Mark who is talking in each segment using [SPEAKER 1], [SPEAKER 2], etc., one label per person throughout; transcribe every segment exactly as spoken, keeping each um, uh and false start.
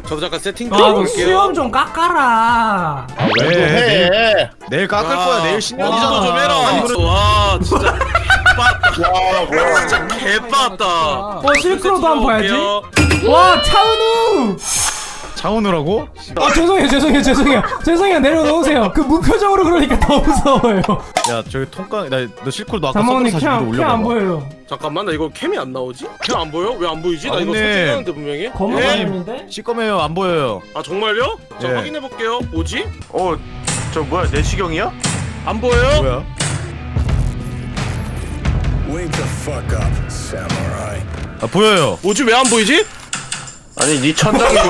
[SPEAKER 1] 저도 잠깐 세팅 좀
[SPEAKER 2] 아, 너
[SPEAKER 1] 해볼게요.
[SPEAKER 2] 수염 좀 깎아라.
[SPEAKER 3] 아, 왜? 내일, 내일 깎을
[SPEAKER 1] 와.
[SPEAKER 3] 거야. 내일
[SPEAKER 1] 와,
[SPEAKER 3] 신년이잖아.
[SPEAKER 1] 좀 해라. 와 진짜 빠았다.
[SPEAKER 4] 와 뭐야.
[SPEAKER 1] 진짜 개빠았다.
[SPEAKER 2] 어, 실크로도 한번 봐야지. 와, 차은우.
[SPEAKER 3] 차오느라고?
[SPEAKER 2] 아, 죄송해요, 죄송해요, 죄송해요. 죄송해요, 내려놓으세요. 그 무표정으로 그러니까 더 무서워요.
[SPEAKER 3] 야, 저기 통깡, 나너 실크로 너 아까
[SPEAKER 2] 장모님
[SPEAKER 3] 서브로 사십
[SPEAKER 2] 캠,
[SPEAKER 3] 도
[SPEAKER 2] 캠 안
[SPEAKER 3] 올려봐.
[SPEAKER 2] 보여요.
[SPEAKER 1] 잠깐만 나 이거 캠이 안 나오지? 캠 안 보여? 왜 안 보이지? 나
[SPEAKER 3] 아,
[SPEAKER 1] 이거
[SPEAKER 3] 근데-
[SPEAKER 1] 설정하는데 분명히.
[SPEAKER 2] 검은
[SPEAKER 1] 예?
[SPEAKER 2] 화면인데?
[SPEAKER 3] 시꺼매요, 안 보여요.
[SPEAKER 1] 아 정말요? 자
[SPEAKER 3] 예.
[SPEAKER 1] 확인해 볼게요. 뭐지?
[SPEAKER 4] 어 저 뭐야 내시경이야?
[SPEAKER 1] 안 보여요?
[SPEAKER 3] 뭐야?
[SPEAKER 5] Wake the fuck up, samurai.
[SPEAKER 3] 아, 보여요.
[SPEAKER 1] 뭐지 왜 안 보이지?
[SPEAKER 4] 아니 니 천장이 뭐야?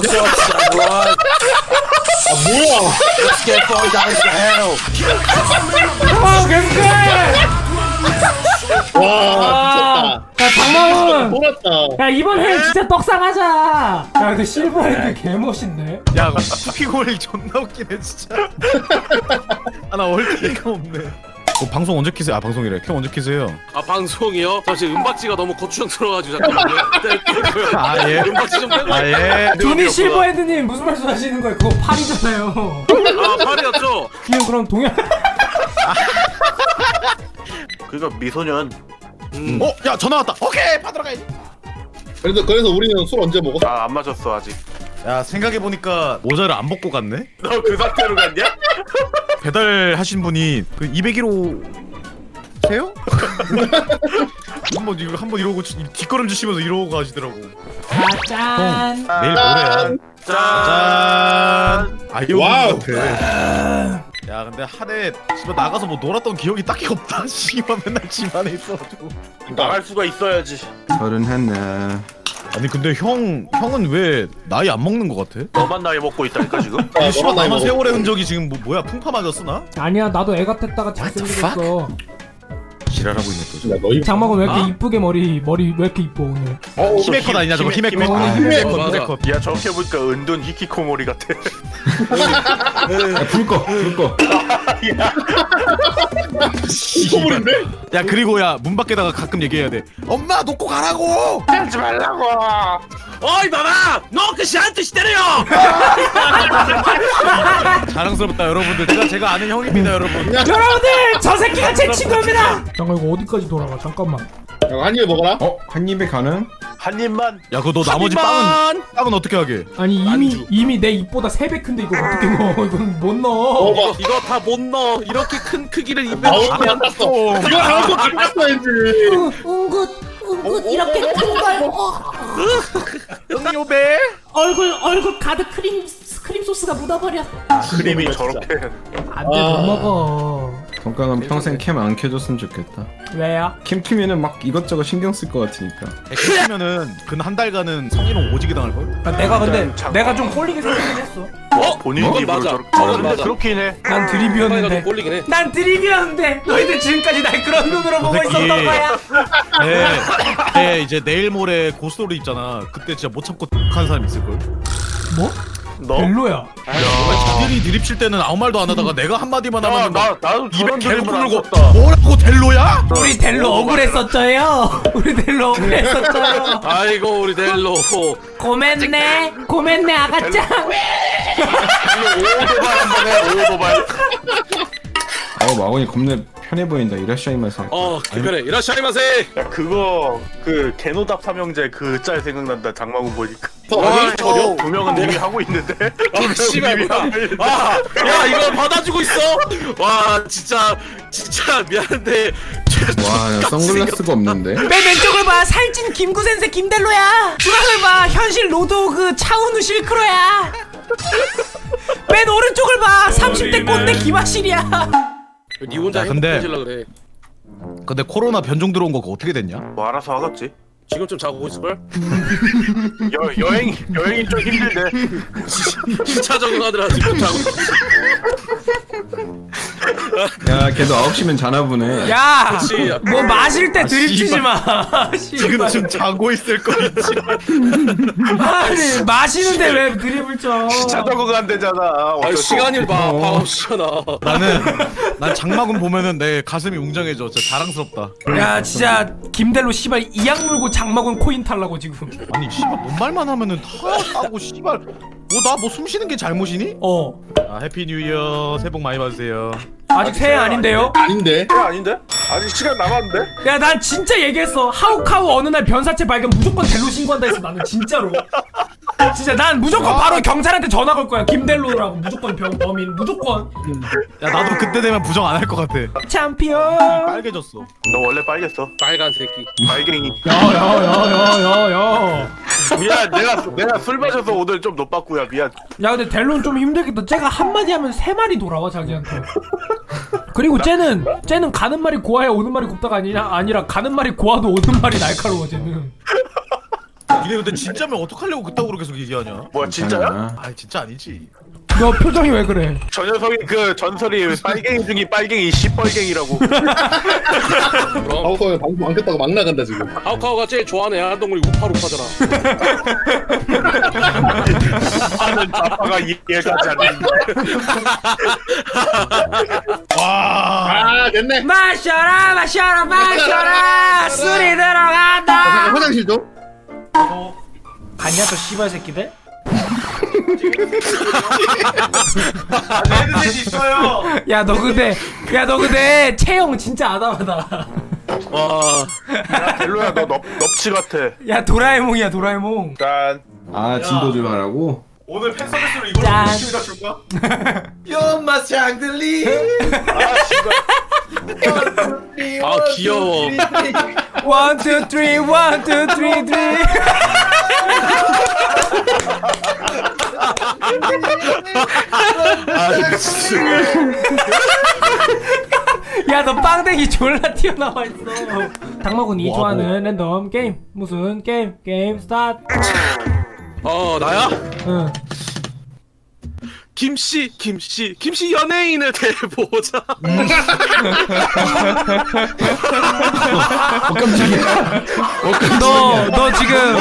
[SPEAKER 5] 아 뭐야?
[SPEAKER 4] Let's get far down the hell.
[SPEAKER 2] 아, 계속해!
[SPEAKER 5] 와
[SPEAKER 2] 야, 장모님!
[SPEAKER 5] 미쳤다. 돌았다.
[SPEAKER 2] 야, 이번 해 진짜 떡상하자! 야, 근데 실버핸드 개멋있네.
[SPEAKER 3] 야, 쿠키골이 존나 웃기네, 진짜. 아, 나 얼티가 없네. 어, 방송 언제 키세요? 아, 방송이래. 캠 언제 키세요?
[SPEAKER 1] 아 방송이요? 잠시 음박지가 너무 고추장스러워가지고 잠깐만요. 네,
[SPEAKER 3] 아, 예.
[SPEAKER 1] 음박지 좀 빼고.
[SPEAKER 3] 아, 예.
[SPEAKER 2] 조니 실버핸드님 무슨 말씀 하시는 거예요? 그거 팔이잖아요.
[SPEAKER 1] 아 팔이었죠?
[SPEAKER 2] 그냥 그럼 동양.
[SPEAKER 4] 그니까 미소년.
[SPEAKER 1] 음.
[SPEAKER 3] 어, 야, 전화 왔다. 오케이, 받으러 가야지.
[SPEAKER 5] 그래서 그래서 우리는 술 언제 먹어?
[SPEAKER 4] 아 안 마셨어 아직.
[SPEAKER 3] 야, 생각해보니까 모자를 안 벗고 갔네?
[SPEAKER 4] 너 그 상태로 갔냐?
[SPEAKER 3] 배달하신 분이 그 이백 킬로그램 세요? 한번 이거 한번 이러고 지- 뒷걸음질 치면서 이러고 가시더라고.
[SPEAKER 2] 아, 짠.
[SPEAKER 3] 내일 모레야.
[SPEAKER 4] 짠.
[SPEAKER 3] 짠. 아이오
[SPEAKER 5] 와우.
[SPEAKER 3] 같아. 야, 근데 한해 집에 나가서 뭐 놀았던 기억이 딱히 없다. 씨발 맨날 집 안에 있어가지고.
[SPEAKER 4] 나갈 수가 있어야지.
[SPEAKER 6] 서른 했네.
[SPEAKER 3] 아니 근데 형 형은 왜 나이 안 먹는 거 같아?
[SPEAKER 4] 너만 나이 먹고 있다니까 지금.
[SPEAKER 5] 아,
[SPEAKER 3] 씨발
[SPEAKER 5] 너만 나이
[SPEAKER 3] 남은
[SPEAKER 5] 먹어.
[SPEAKER 3] 세월의 흔적이 지금 뭐 뭐야 풍파 맞았어 나?
[SPEAKER 2] 아니야, 나도 애 같았다가 잘생겼어.
[SPEAKER 3] 지랄하고 있네 또.
[SPEAKER 5] 야 너희
[SPEAKER 2] 장막은 왜 이렇게
[SPEAKER 1] 아?
[SPEAKER 2] 이쁘게 머리 머리 왜 이렇게 이뻐 오늘?
[SPEAKER 5] 어,
[SPEAKER 3] 히메컷 아니냐 저거
[SPEAKER 4] 히메-
[SPEAKER 3] 히메컷.
[SPEAKER 2] 히메-
[SPEAKER 3] 아,
[SPEAKER 5] 히메컷.
[SPEAKER 1] 맞아.
[SPEAKER 3] 히메컷.
[SPEAKER 4] 야 저렇게 보니까 은둔 히키코모리 같아.
[SPEAKER 6] 야, 불 꺼, 불 꺼.
[SPEAKER 5] 소문인데?
[SPEAKER 3] 야 그리고 야 문 밖에다가 가끔 얘기해야 돼. 엄마 놓고 가라고.
[SPEAKER 4] 하지 말라고.
[SPEAKER 1] 어이 봐봐! 너 그 씨한테 시대래요!
[SPEAKER 3] 자랑스럽다 여러분들. 제가 제가 아는 형입니다 여러분.
[SPEAKER 2] 여러분들, 저 새끼가 제 친구입니다. 잠깐 이거 어디까지 돌아가? 잠깐만.
[SPEAKER 5] 야, 한 입에 먹어라.
[SPEAKER 6] 어, 한 입에 가능?
[SPEAKER 4] 한 입만.
[SPEAKER 3] 야 그거 너 나머지 빵은 빵은 어떻게 하게?
[SPEAKER 2] 아니 이미
[SPEAKER 1] 안주.
[SPEAKER 2] 이미 내 입보다 세 배 큰데 이거 어떻게 넣어? 이건 못 넣어.
[SPEAKER 5] 먹어봐.
[SPEAKER 1] 이거 다 못 넣어. 이렇게 큰 크기를 입에
[SPEAKER 5] 아우
[SPEAKER 1] 넣으면
[SPEAKER 5] 안 땄어. 이거 나올 거 땄어야지.
[SPEAKER 7] 웅긋 웅긋 이렇게 큰걸 어,
[SPEAKER 3] 응요배.
[SPEAKER 7] 얼굴 얼굴 가득 크림 크림 소스가 묻어버려.
[SPEAKER 4] 크림이 저렇게.
[SPEAKER 2] 안돼 못 먹어.
[SPEAKER 6] 동강은 평생 캠 안 켜줬으면 좋겠다.
[SPEAKER 2] 왜요?
[SPEAKER 6] 캠 키면은 막 이것저것 신경 쓸 것 같으니까.
[SPEAKER 3] 그러면은 근 한 달간은 성희롱 오지게 당할 걸?
[SPEAKER 2] 아, 내가 근데
[SPEAKER 4] 일단 장-
[SPEAKER 2] 내가 좀 꼴리게 생기긴 했어.
[SPEAKER 1] 어?
[SPEAKER 4] 본인
[SPEAKER 1] 그건
[SPEAKER 4] 입으로
[SPEAKER 1] 맞아.
[SPEAKER 4] 저렇게.
[SPEAKER 1] 그건
[SPEAKER 4] 어, 근데
[SPEAKER 1] 맞아.
[SPEAKER 4] 그렇긴 해.
[SPEAKER 2] 난
[SPEAKER 1] 상황이가 좀
[SPEAKER 2] 드립이었는데.
[SPEAKER 1] 꼴리긴 해.
[SPEAKER 2] 난 드립이었는데 너희들 지금까지 날 그런 눈으로 보고
[SPEAKER 3] 새끼.
[SPEAKER 2] 있었던 거야.
[SPEAKER 3] 네, 네 이제 내일 모레 고스토리 있잖아. 그때 진짜 못 참고 한 사람 있을 걸.
[SPEAKER 2] 뭐?
[SPEAKER 4] 너?
[SPEAKER 2] 별로야.
[SPEAKER 3] 자들이 드립 칠 때는 아무 말도 안 하다가 내가 한 마디만
[SPEAKER 4] 야,
[SPEAKER 3] 하면
[SPEAKER 4] 나 나도
[SPEAKER 3] 입에
[SPEAKER 4] 저런
[SPEAKER 3] 개를
[SPEAKER 4] 드립을 안
[SPEAKER 3] 풀고
[SPEAKER 4] 썼다.
[SPEAKER 3] 뭐라고 델로야?
[SPEAKER 2] 우리 델로 억울했었죠요. 우리 델로 억울했었죠요.
[SPEAKER 1] 아이고 우리 델로.
[SPEAKER 2] 고맨네, 고맨네 아가짱.
[SPEAKER 4] 오도발 한번 해. 오도발.
[SPEAKER 6] 어, 마원이 겁내 편해 보인다. 이라샤이마세.
[SPEAKER 1] 어 그래. 이라샤이마세.
[SPEAKER 4] 야 그거 그 개노답 삼형제 그 짤 생각난다. 장마군 보니까.
[SPEAKER 5] 아니,
[SPEAKER 4] 저두 명은 이미 하고 있는데.
[SPEAKER 1] 아 씨발 뭐야. 아, 야 이거 받아주고 있어? 와 진짜 진짜 미안한데.
[SPEAKER 6] 와, 야, 선글라스가 없는데?
[SPEAKER 2] 맨 왼쪽을 봐, 살찐 김구센세 김델로야. 중앙을 봐, 현실 로드오그 차은우 실크로야. 맨 오른쪽을 봐, 삼십 대 꼰대 김하실이야.
[SPEAKER 1] 니 혼자
[SPEAKER 3] 야, 근데-
[SPEAKER 1] 행복해질라 그래.
[SPEAKER 3] 근데 코로나 변종 들어온 거 그거 어떻게 됐냐?
[SPEAKER 4] 뭐 알아서 하겠지.
[SPEAKER 1] 지금 좀 자고 있을걸?
[SPEAKER 4] 여 여행 여행이 좀 힘들대.
[SPEAKER 1] 시차 적응하더라 지금 자고 있어.
[SPEAKER 6] 야 걔도 아홉 시면 자나 보네.
[SPEAKER 2] 야,
[SPEAKER 1] 그치.
[SPEAKER 2] 뭐 마실 때 드립 치지
[SPEAKER 3] 씨발.
[SPEAKER 2] 마.
[SPEAKER 3] 지금 좀 자고 있을 거 있지.
[SPEAKER 2] 아니 마시는데 왜 드립을 쳐?
[SPEAKER 4] 자전거가 안 되잖아.
[SPEAKER 1] 아니 시간이 봐
[SPEAKER 6] 어.
[SPEAKER 1] 봐 없잖아.
[SPEAKER 3] 나는 난 장마군 보면은 내 가슴이 웅장해져. 진짜 자랑스럽다.
[SPEAKER 2] 야 진짜 김델로 씨발 이악 물고 장마군 코인 탈라고 지금.
[SPEAKER 3] 아니 씨발 뭔 말만 하면은 다 하고 씨발. 뭐 나 뭐 숨 쉬는 게 잘못이니?
[SPEAKER 2] 어
[SPEAKER 3] 아 해피 뉴 이어. 새해 복 많이 받으세요.
[SPEAKER 2] 아직 새해 아닌데요?
[SPEAKER 5] 아닌데.
[SPEAKER 4] 그래 아닌데? 아직 시간 남았는데?
[SPEAKER 2] 야 난 진짜 얘기했어. 하우카우 어느 날 변사체 발견 무조건 델로 신고한다 했어. 나는 진짜로. 진짜 난 무조건 바로 경찰한테 전화 걸 거야. 김델로라고 무조건 병 범인 무조건.
[SPEAKER 3] 야 나도 그때 되면 부정 안 할 것 같아.
[SPEAKER 2] 챔피언.
[SPEAKER 3] 빨개졌어.
[SPEAKER 4] 너 원래 빨겠어.
[SPEAKER 1] 빨간 새끼.
[SPEAKER 4] 빨갱이.
[SPEAKER 2] 야야야야야야.
[SPEAKER 4] 미안, 내가 내가 술 마셔서 오늘 좀 노빠꾸야. 미안.
[SPEAKER 2] 야 근데 델로는 좀 힘들겠다. 쟤가 한마디 하면 세 마리 돌아와 자기한테. 그리고 쟤는 쟤는 가는 말이 고와야 오는 말이 곱다가 아니라 아니라 가는 말이 고와도 오는 말이 날카로워 쟤는.
[SPEAKER 3] 니네 근데 진짜면 어떡하려고 그따구로 계속 얘기하냐?
[SPEAKER 4] 뭐야 진짜야?
[SPEAKER 6] 괜찮아.
[SPEAKER 3] 아 진짜 아니지.
[SPEAKER 2] 너 표정이 왜 그래?
[SPEAKER 4] 저 녀석이 그 전설이 빨갱이 중에 빨갱이 시뻘갱이라고.
[SPEAKER 5] 아우카우 방송 안 켰다고 막 나간다 지금.
[SPEAKER 1] 하우카우가 제일 좋아하는 야동물이 우파루파잖아.
[SPEAKER 4] 하는 자파가 이해가지 않는데.
[SPEAKER 3] 와.
[SPEAKER 5] 아 됐네.
[SPEAKER 2] 마셔라 마셔라 마셔라 술이
[SPEAKER 5] 아,
[SPEAKER 2] 들어간다.
[SPEAKER 5] 화장실 좀.
[SPEAKER 2] 갔냐 저 씨발 새끼들?
[SPEAKER 3] 레드셋 있어요.
[SPEAKER 2] 야 너 근데 야 너 근데 체형 진짜 아담하다.
[SPEAKER 1] 와.
[SPEAKER 4] 야 델로야 너 넙, 넙치 같아.
[SPEAKER 2] 야 도라에몽이야 도라에몽.
[SPEAKER 4] 짠.
[SPEAKER 6] 아 진도 좀 하라고?
[SPEAKER 3] 오늘 팬 서비스로 이걸
[SPEAKER 2] 짠.
[SPEAKER 3] 느낌이다 줄까? 연마 샹들리.
[SPEAKER 4] 아 씨발.
[SPEAKER 1] 아 귀여워.
[SPEAKER 2] 원, 투, 쓰리, 원, 투, 쓰리, 쓰리.
[SPEAKER 4] 아 미친.
[SPEAKER 2] 야, 너 빵댕이 졸라 튀어나와 있어. 당마군이
[SPEAKER 3] 와,
[SPEAKER 2] 좋아하는 랜덤 게임. 무슨 게임? 게임 스타트.
[SPEAKER 1] 어 나야?
[SPEAKER 2] 응.
[SPEAKER 1] 김씨 김씨 김씨 연예인을 대보자.
[SPEAKER 2] 너, 너 지금,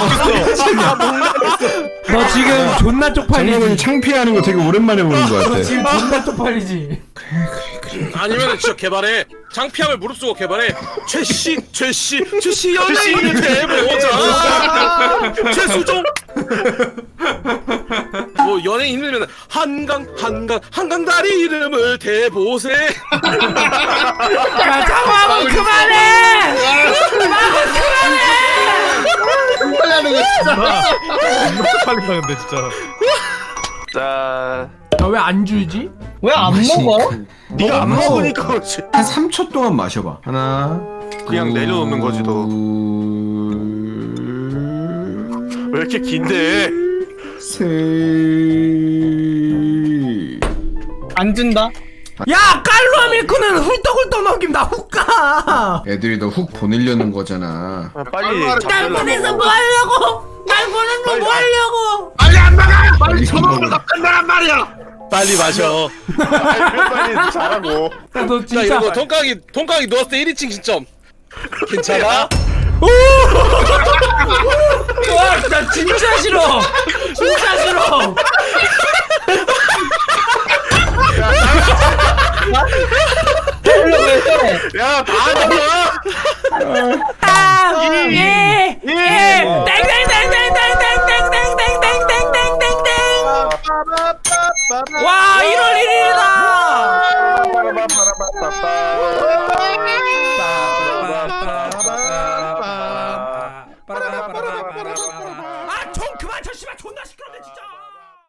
[SPEAKER 2] 너 지금 존나
[SPEAKER 6] 장난이
[SPEAKER 2] 쪽팔리지.
[SPEAKER 6] 창피해하는 거 되게 오랜만에 보는 거
[SPEAKER 2] 너
[SPEAKER 6] 같아.
[SPEAKER 2] 지금 존나 쪽팔리지.
[SPEAKER 1] 아니면 진짜 개발해. 창피함을 무릅쓰고 개발해. 최씨 최씨 최씨 연예인을 대보자. 최수종. 뭐 연예인 이름이면 한강 한강 한강 다리 이름을 대보세.
[SPEAKER 2] 야, 장마군 그만해! 장마군 그만해!
[SPEAKER 5] 빨리 하는 거 진짜.
[SPEAKER 3] 존나 빨리 가는데 진짜.
[SPEAKER 4] 자.
[SPEAKER 2] 너 왜 안 줄지?
[SPEAKER 5] 왜 안 먹어?
[SPEAKER 4] 네가 안 먹으니까 그렇지.
[SPEAKER 6] 한 삼 초 동안 마셔봐. 하나.
[SPEAKER 4] 그냥 내려놓는 거지, 너. 왜 이렇게 긴데?
[SPEAKER 6] 셋.
[SPEAKER 5] 안 준다.
[SPEAKER 2] 야, 깔로아 밀크는 훌떡훌떡 넘김 나 훅가.
[SPEAKER 6] 애들이 너 훅 보내려는 거잖아.
[SPEAKER 4] 아, 빨리.
[SPEAKER 2] 날
[SPEAKER 4] 잡으려고.
[SPEAKER 2] 보내서 뭐 하려고? 날 보내서 뭐 하려고?
[SPEAKER 6] 빨리 쳐먹어.
[SPEAKER 1] 빨리 마셔.
[SPEAKER 4] 빨리 빨리 잘하고.
[SPEAKER 2] 야, 너
[SPEAKER 1] 자
[SPEAKER 2] 진짜.
[SPEAKER 1] 이거 통깡이 통깡이 누웠을 때 일 인칭 시점. 괜찮아?
[SPEAKER 2] 와, 나 진짜 싫어. 진짜 싫어.
[SPEAKER 4] 야, 다 하잖아.
[SPEAKER 2] 아, 예, 예, 땡땡땡땡땡땡땡땡땡땡땡땡땡땡. 와, 일월 일일이다. 아, 총 그만 쳐, 씨발, 존나 시끄럽네 진짜.